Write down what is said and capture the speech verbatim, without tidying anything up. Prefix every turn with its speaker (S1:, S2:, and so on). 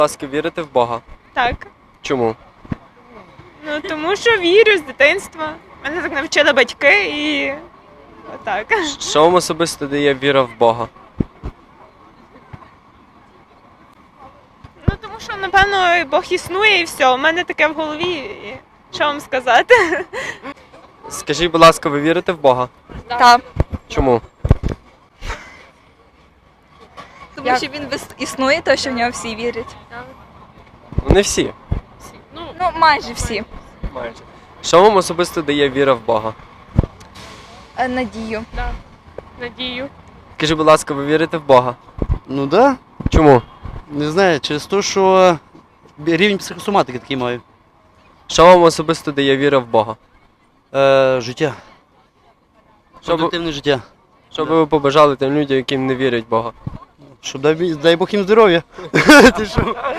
S1: ласка, вірите в Бога?
S2: Так.
S1: Чому?
S2: Ну тому що вірю з дитинства. Мене так навчили батьки і отак.
S1: Що вам особисто дає віра в Бога?
S2: Ну тому що, напевно, Бог існує і все. У мене таке в голові. І що вам сказати?
S1: Скажіть, будь ласка, ви вірите в Бога?
S3: Так.
S1: Чому?
S3: Тому
S4: Як?
S3: що він вис- існує, то що в нього всі вірять.
S1: Ну, не всі.
S3: Ну, майже всі.
S1: Майже. Що вам особисто дає віра в Бога?
S3: Е, Надію.
S2: Надію.
S1: Скажіть, будь ласка, ви вірите в Бога?
S5: Ну да.
S1: Чому?
S5: Не знаю, через те, що рівень психосоматики такий маю.
S1: Що вам особисто дає віра в Бога?
S5: Е, життя.
S1: Що б,
S5: Продуктивне життя.
S1: що би ви побажали тим людям, яким не вірять в Бога?
S5: Щоб дай, дай Бог їм здоров'я. Ти що?